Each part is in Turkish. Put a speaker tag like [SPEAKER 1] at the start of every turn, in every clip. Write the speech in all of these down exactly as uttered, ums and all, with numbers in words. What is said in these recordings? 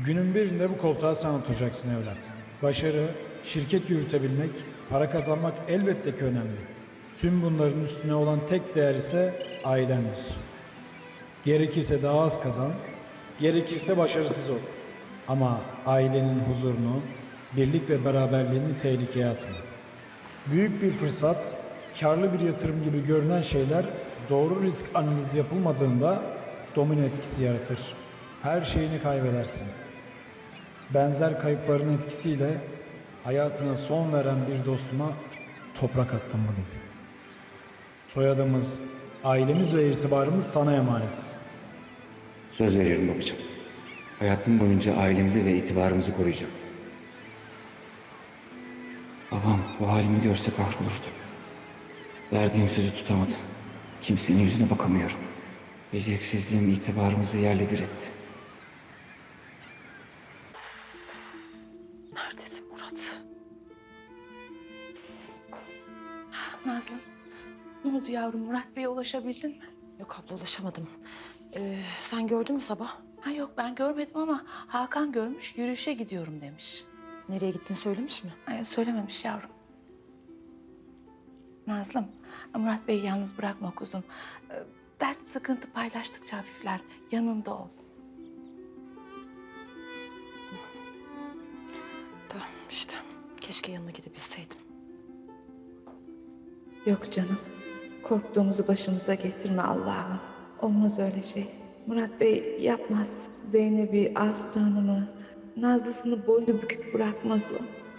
[SPEAKER 1] Günün birinde bu koltuğa sen oturacaksın evlat. Başarı, şirket yürütebilmek, para kazanmak elbette ki önemli. Tüm bunların üstüne olan tek değer ise ailendir. Gerekirse daha az kazan, gerekirse başarısız ol. Ama ailenin huzurunu, birlik ve beraberliğini tehlikeye atma. Büyük bir fırsat, karlı bir yatırım gibi görünen şeyler doğru risk analizi yapılmadığında domino etkisi yaratır. Her şeyini kaybedersin. Benzer kayıpların etkisiyle hayatına son veren bir dostuma toprak attım bugün. Soyadımız, ailemiz ve itibarımız sana emanet.
[SPEAKER 2] Söz veriyorum babacığım. Hayatım boyunca ailemizi ve itibarımızı koruyacağım. Babam bu halimi görse kahrolurdu. Verdiğim sözü tutamadım. Kimsenin yüzüne bakamıyorum. Beceriksizliğim itibarımızı yerle bir etti.
[SPEAKER 3] Neredesin Murat? Nazlı, ne oldu yavrum? Murat Bey'e ulaşabildin mi?
[SPEAKER 4] Yok abla ulaşamadım. Ee, sen gördün mü sabah?
[SPEAKER 3] Ha yok, ben görmedim ama Hakan görmüş, yürüyüşe gidiyorum demiş.
[SPEAKER 4] Nereye gittiğini söylemiş mi?
[SPEAKER 3] Ay, söylememiş yavrum. Nazlım, Murat Bey'i yalnız bırakma kuzum. Ee, Dert, sıkıntı paylaştıkça hafifler. Yanında ol.
[SPEAKER 4] Tamam işte. Keşke yanına gidebilseydim.
[SPEAKER 3] Yok canım. Korktuğumuzu başımıza getirme Allah'ım. Olmaz öyle şey. Murat Bey yapmaz. Zeynep'i, Aslı Hanım'ı, Nazlısını boynu bükük bırakmaz o.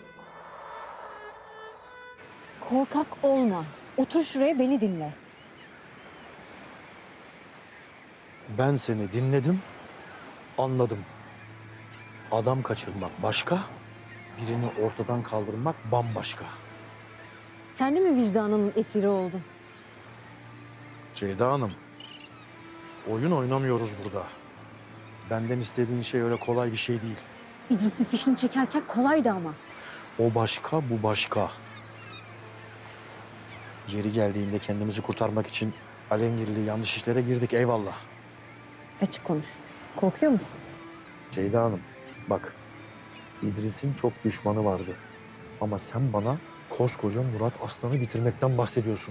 [SPEAKER 5] Korkak olma. Otur şuraya, beni dinle.
[SPEAKER 6] Ben seni dinledim, anladım. Adam kaçırmak başka, birini ortadan kaldırmak bambaşka.
[SPEAKER 5] Sen de mi vicdanının esiri oldun?
[SPEAKER 6] Ceyda Hanım, oyun oynamıyoruz burada. Benden istediğin şey öyle kolay bir şey değil.
[SPEAKER 5] İdris'in fişini çekerken kolaydı ama.
[SPEAKER 6] O başka, bu başka. Yeri geldiğinde kendimizi kurtarmak için alengirli yanlış işlere girdik, eyvallah.
[SPEAKER 5] Açık konuş. Korkuyor musun?
[SPEAKER 6] Ceyda Hanım, bak, İdris'in çok düşmanı vardı. Ama sen bana koskoca Murat Aslan'ı bitirmekten bahsediyorsun.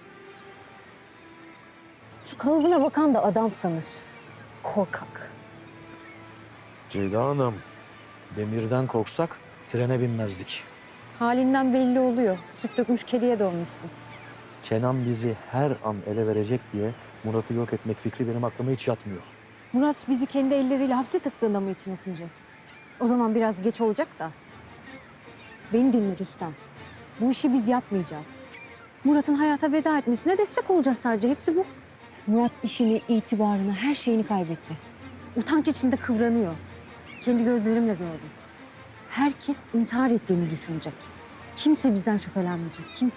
[SPEAKER 5] Şu kalıbına bakan da adam sanır. Korkak.
[SPEAKER 6] Ceyda Hanım, demirden korksak trene binmezdik.
[SPEAKER 5] Halinden belli oluyor. Süt dökmüş kediye dönmüşsün.
[SPEAKER 6] Kenan bizi her an ele verecek diye Murat'ı yok etmek fikri benim aklıma hiç yatmıyor.
[SPEAKER 5] Murat bizi kendi elleriyle hapse tıktığında mı içine sinecek? O zaman biraz geç olacak da. Beni dinle Rüstem. Bu işi biz yapmayacağız. Murat'ın hayata veda etmesine destek olacağız sadece. Hepsi bu. Murat işini, itibarını, her şeyini kaybetti. Utanç içinde kıvranıyor. Kendi gözlerimle gördüm. Herkes intihar ettiğini düşünecek. Kimse bizden şüphelenmeyecek. Kimse.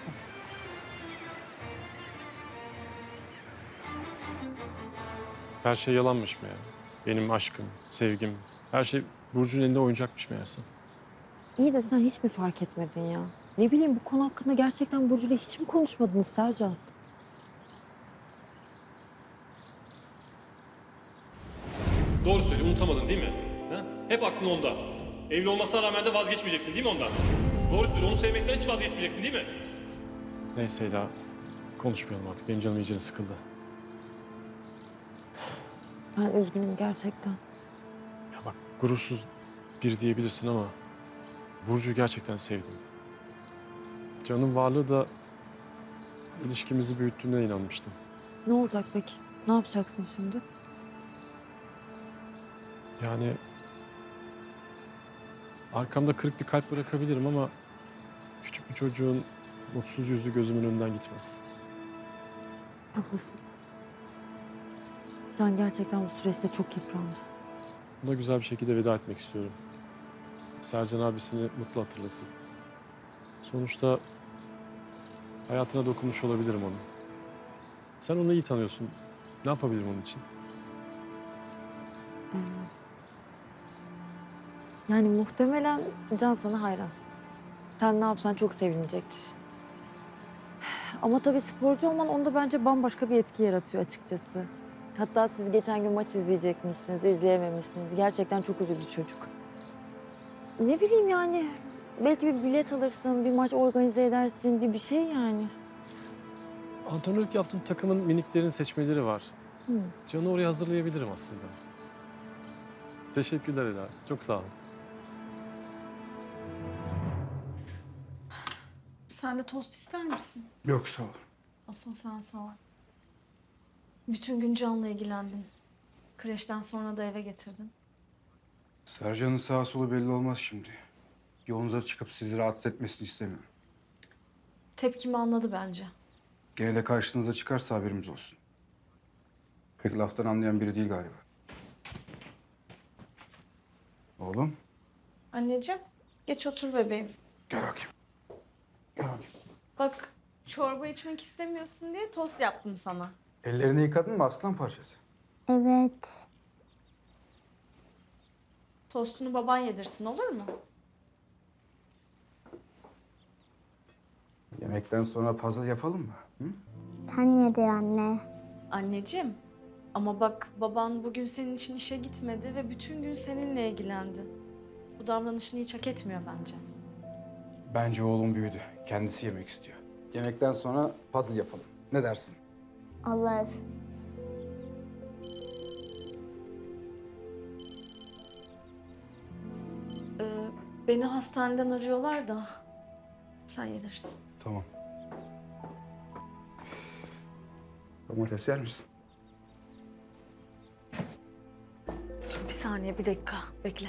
[SPEAKER 7] Her şey yalanmış meğer. Benim aşkım, sevgim, her şey Burcu'nun elinde oyuncakmış meğerse.
[SPEAKER 5] İyi de sen hiç mi fark etmedin ya? Ne bileyim, bu konu hakkında gerçekten Burcu'yla hiç mi konuşmadınız Sercan?
[SPEAKER 8] Doğru söyle, unutamadın değil mi? Ha? Hep aklın onda. Evli olmasına rağmen de vazgeçmeyeceksin değil mi ondan? Doğru söyle, onu sevmekten hiç vazgeçmeyeceksin değil mi?
[SPEAKER 7] Neyse Ela, konuşmayalım artık. Benim canım iyice sıkıldı.
[SPEAKER 5] Ben üzgünüm gerçekten.
[SPEAKER 7] Ya bak, gurursuz bir diyebilirsin ama Burcu'yu gerçekten sevdim. Can'ın varlığı da ilişkimizi büyüttüğüne inanmıştım.
[SPEAKER 5] Ne olacak peki? Ne yapacaksın şimdi?
[SPEAKER 7] Yani arkamda kırık bir kalp bırakabilirim ama küçük bir çocuğun mutsuz yüzü gözümün önünden gitmez.
[SPEAKER 5] Haklısın. Can gerçekten bu süreçte çok yıprandı.
[SPEAKER 7] Buna güzel bir şekilde veda etmek istiyorum. Sercan abisini mutlu hatırlasın. Sonuçta hayatına dokunmuş olabilirim onun. Sen onu iyi tanıyorsun. Ne yapabilirim onun için?
[SPEAKER 5] Hmm. Yani muhtemelen Can sana hayran. Sen ne yapsan çok sevinecektir. Ama tabii sporcu olman onda bence bambaşka bir etki yaratıyor açıkçası.
[SPEAKER 9] Hatta siz geçen gün maç izleyecekmişsiniz, izleyememişsiniz. Gerçekten çok üzüldü çocuk. Ne bileyim yani, belki bir bilet alırsın, bir maç organize edersin, bir bir şey yani.
[SPEAKER 7] Antrenörlük yaptığım takımın miniklerin seçmeleri var.
[SPEAKER 9] Hı.
[SPEAKER 7] Can'ı oraya hazırlayabilirim aslında. Teşekkürler Ela. Çok sağ ol.
[SPEAKER 10] Sen de tost ister misin?
[SPEAKER 11] Yok sağ ol.
[SPEAKER 10] Asıl sen sağ ol. Bütün gün Can'la ilgilendin. Kreşten sonra da eve getirdin.
[SPEAKER 11] Sercan'ın sağa solu belli olmaz şimdi. Yolunuza çıkıp sizi rahatsız etmesini istemiyorum.
[SPEAKER 10] Tepkimi anladı bence.
[SPEAKER 11] Gene de karşınıza çıkarsa haberimiz olsun. Pek laftan anlayan biri değil galiba. Oğlum
[SPEAKER 10] Anneciğim, geç otur bebeğim.
[SPEAKER 11] gel bakayım. Gel bakayım.
[SPEAKER 10] Bak, çorba içmek istemiyorsun diye tost yaptım sana.
[SPEAKER 11] Ellerini yıkadın mı aslan parçası?
[SPEAKER 12] Evet.
[SPEAKER 10] Tostunu baban yedirsin, olur mu?
[SPEAKER 11] Yemekten sonra puzzle yapalım mı? Hı?
[SPEAKER 12] Sen yedi anne.
[SPEAKER 10] Anneciğim, ama bak baban bugün senin için işe gitmedi ve bütün gün seninle ilgilendi. Bu davranışını hiç hak etmiyor bence.
[SPEAKER 11] Bence oğlum büyüdü. Kendisi yemek istiyor. Yemekten sonra puzzle yapalım. Ne dersin?
[SPEAKER 12] Olur.
[SPEAKER 10] Ee, beni hastaneden arıyorlar da sen yedirsin.
[SPEAKER 11] Tamam. Domates yer misin?
[SPEAKER 10] Bir saniye, bir dakika. Bekle.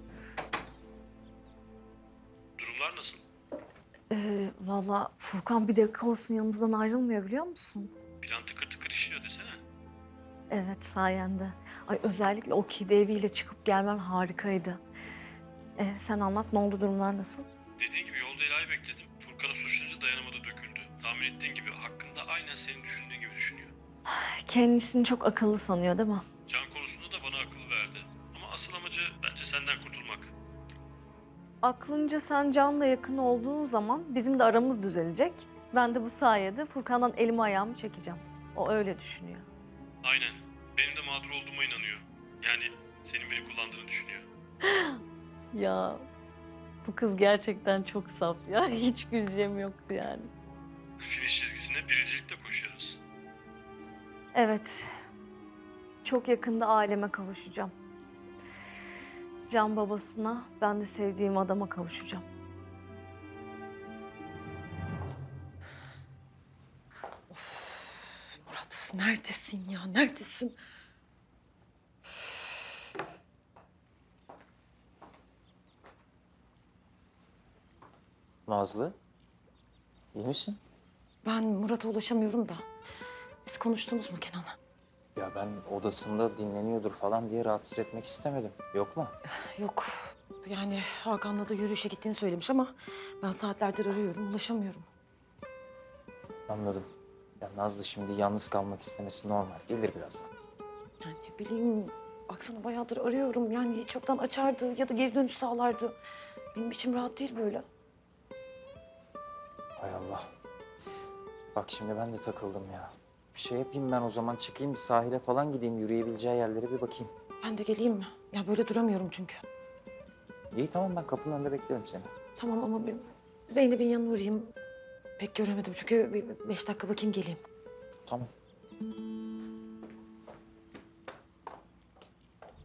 [SPEAKER 8] Durumlar nasıl?
[SPEAKER 10] Ee, Valla Furkan bir dakika olsun yanımızdan ayrılmıyor, biliyor musun?
[SPEAKER 8] Plan tıkır tıkır işliyor desene.
[SPEAKER 10] Evet, sayende. Ay, özellikle o kedi eviyle çıkıp gelmem harikaydı. Ee, sen anlat, ne oldu, durumlar nasıl?
[SPEAKER 8] Dediğin gibi yolda Ela'yı bekledim. Furkan'ı suçlayınca dayanamadı, döküldü. Tahmin ettiğin gibi hakkında aynen senin düşündüğün gibi düşünüyor.
[SPEAKER 10] Kendisini çok akıllı sanıyor değil mi?
[SPEAKER 8] Can konusunda da bana akıl verdi. Ama asıl amacı bence senden kurtulmak.
[SPEAKER 10] Aklınca sen Can'la yakın olduğun zaman bizim de aramız düzelecek. Ben de bu sayede Furkan'dan elimi ayağımı çekeceğim. O öyle düşünüyor.
[SPEAKER 8] Aynen. Benim de mağdur olduğuma inanıyor. Yani senin beni kullandığını düşünüyor.
[SPEAKER 10] Ya bu kız gerçekten çok saf ya. Hiç güleceğim yoktu yani.
[SPEAKER 8] Finish çizgisine birincilikle koşuyoruz.
[SPEAKER 10] Evet. Çok yakında aileme kavuşacağım. Can babasına, ben de sevdiğim adama kavuşacağım.
[SPEAKER 4] Murat neredesin ya? Neredesin?
[SPEAKER 2] Nazlı, iyi misin?
[SPEAKER 4] Ben Murat'a ulaşamıyorum da. Biz konuştunuz mu Kenan'la?
[SPEAKER 2] Ya ben odasında dinleniyordur falan diye rahatsız etmek istemedim. Yok mu?
[SPEAKER 4] Yok. Yani Hakan'la da yürüyüşe gittiğini söylemiş ama ben saatlerdir arıyorum, ulaşamıyorum.
[SPEAKER 2] Anladım. Ya Nazlı şimdi yalnız kalmak istemesi normal. Gelir birazdan.
[SPEAKER 4] Yani ne bileyim, baksana bayağıdır arıyorum. Yani hiç yoktan açardı ya da geri dönüş sağlardı. Benim içim rahat değil böyle.
[SPEAKER 2] Hay Allah. Bak şimdi ben de takıldım ya. Bir şey yapayım ben o zaman. Çıkayım bir sahile falan gideyim. Yürüyebileceği yerlere bir bakayım.
[SPEAKER 4] Ben de geleyim mi? Ya böyle duramıyorum çünkü.
[SPEAKER 2] İyi tamam ben kapının önünde bekliyorum seni.
[SPEAKER 4] Tamam ama bir Zeynep'in yanına uğrayayım. Pek göremedim çünkü bir beş dakika bakayım geleyim.
[SPEAKER 2] Tamam.